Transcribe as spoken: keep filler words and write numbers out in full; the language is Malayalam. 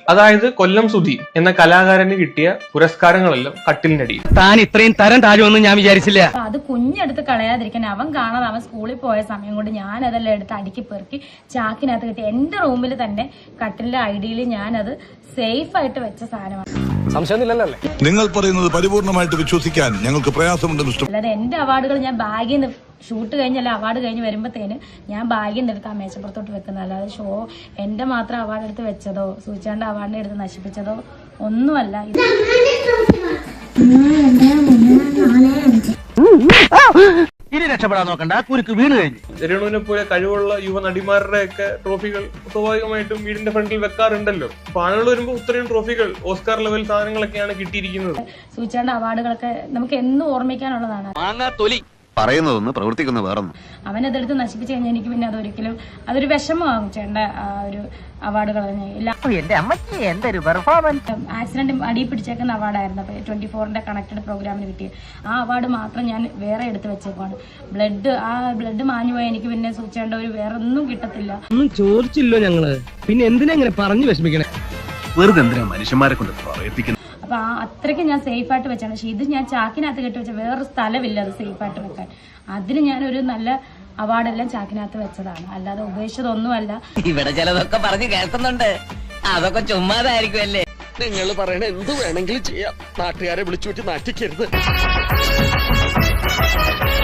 അതായത് കൊല്ലം സുധി എന്ന കലാകാരന് കിട്ടിയ പുരസ്കാരങ്ങളെല്ലാം കട്ടിലിനടിയിൽ. താൻ ഇത്രയും തരം താഴുമെന്ന് ഞാൻ വിചാരിച്ചില്ല. അത് കുഞ്ഞെടുത്ത് കളയാതിരിക്കാൻ അവൻ കാണാതെ അവൻ സ്കൂളിൽ പോയ സമയം കൊണ്ട് ഞാൻ അതെല്ലാം എടുത്ത് അടുക്കി പെറുക്കി ചാക്കിനകത്ത് കിട്ടി. എന്റെ റൂമിൽ തന്നെ കട്ടിലിന്റെ ഐഡിയിൽ ഞാനത് സേഫ് ആയിട്ട് വെച്ച സാധനമാണ്. നിങ്ങൾ പറയുന്നത് പരിപൂർണമായിട്ട് വിശ്വസിക്കാൻ ഞങ്ങൾക്ക് പ്രയാസമുണ്ട്. അല്ലാതെ എന്റെ അവാർഡുകൾ ഞാൻ ബാഗിൽ നിന്ന് ഷൂട്ട് കഴിഞ്ഞല്ല അവാർഡ് കഴിഞ്ഞ് വരുമ്പോഴത്തേന് ഞാൻ ബാഗിൽ നിന്ന് എടുത്ത് ആ മേശപ്പുറത്തോട്ട് വെക്കുന്നത്. അല്ലാതെ ഷോ എന്റെ മാത്രം അവാർഡ് എടുത്ത് വെച്ചതോ സൂചാന്റെ അവാർഡിനെ എടുത്ത് നശിപ്പിച്ചതോ ഒന്നുമല്ല. ഇനി രക്ഷപ്പെടാൻ നോക്കണ്ട, കുരുക്ക് വീണ് കഴിഞ്ഞു. രേണുവിനെ പോലെ കഴിവുള്ള യുവ നടിമാരുടെ ഒക്കെ ട്രോഫികൾ സ്വാഭാവികമായിട്ടും വീടിന്റെ ഫ്രണ്ടിൽ വെക്കാറുണ്ടല്ലോ. അപ്പൊ ആളുകൾ വരുമ്പോൾ ഇത്രയും ട്രോഫികൾ ഓസ്കാർ ലെവൽ സാധനങ്ങളൊക്കെയാണ് കിട്ടിയിരിക്കുന്നത്. സൂചാന്റെ അവാർഡുകളൊക്കെ നമുക്ക് എന്നും ഓർമ്മിക്കാനുള്ളതാണ്. പറയുന്നതൊന്ന് പ്രവർത്തിക്കുന്ന വേറൊന്നും. അവനതെടുത്ത് നശിപ്പിച്ചു കഴിഞ്ഞാൽ എനിക്ക് പിന്നെ അതൊരിക്കലും അതൊരു വിഷമമാകും. ചേട്ടന്റെ ആ ഒരു അവാർഡുകൾ ആക്സിഡന്റ് അടി പിടിച്ചേക്കുന്ന അവാർഡായിരുന്നു. അപ്പൊ ട്വന്റി ഫോറിന്റെ കണക്റ്റഡ് പ്രോഗ്രാമിന് കിട്ടിയത് ആ അവാർഡ് മാത്രം ഞാൻ വേറെ എടുത്ത് വെച്ചേക്കാണ്. ബ്ലഡ് ആ ബ്ലഡ് മാഞ്ഞു പോയാൽ എനിക്ക് പിന്നെ സൂചിച്ചേണ്ട ഒരു വേറെ ഒന്നും കിട്ടത്തില്ല. ഒന്നും ചോദിച്ചില്ലോ ഞങ്ങള്, പിന്നെ എന്തിനാ ഇങ്ങനെ പറഞ്ഞു വിഷമിക്കണേ? വെറുതെ എന്തിനാ മനുഷ്യന്മാരെ കൊണ്ട് പറയിപ്പിക്കുന്നത്? അപ്പൊ ആ അത്രയ്ക്ക് ഞാൻ സേഫ് ആയിട്ട് വെച്ചാണ്. പക്ഷെ ഇത് ഞാൻ ചാക്കിനകത്ത് കെട്ടി വെച്ച വേറൊരു സ്ഥലമില്ല അത് സേഫ് ആയിട്ട് വെക്കാൻ. അതിന് ഞാനൊരു നല്ല അവാർഡെല്ലാം ചാക്കിനകത്ത് വെച്ചതാണ്, അല്ലാതെ ഉപേക്ഷിച്ചതൊന്നുമല്ല. ഇവിടെ ചിലതൊക്കെ പറഞ്ഞു കേൾക്കുന്നുണ്ട്, അതൊക്കെ ചുമ്മാതായിരിക്കും അല്ലേ. നിങ്ങൾ പറയണ എന്ത് വേണമെങ്കിലും ചെയ്യാം, നാട്ടുകാരെ വിളിച്ചു വെച്ച് നാട്ടിക്കരുത്.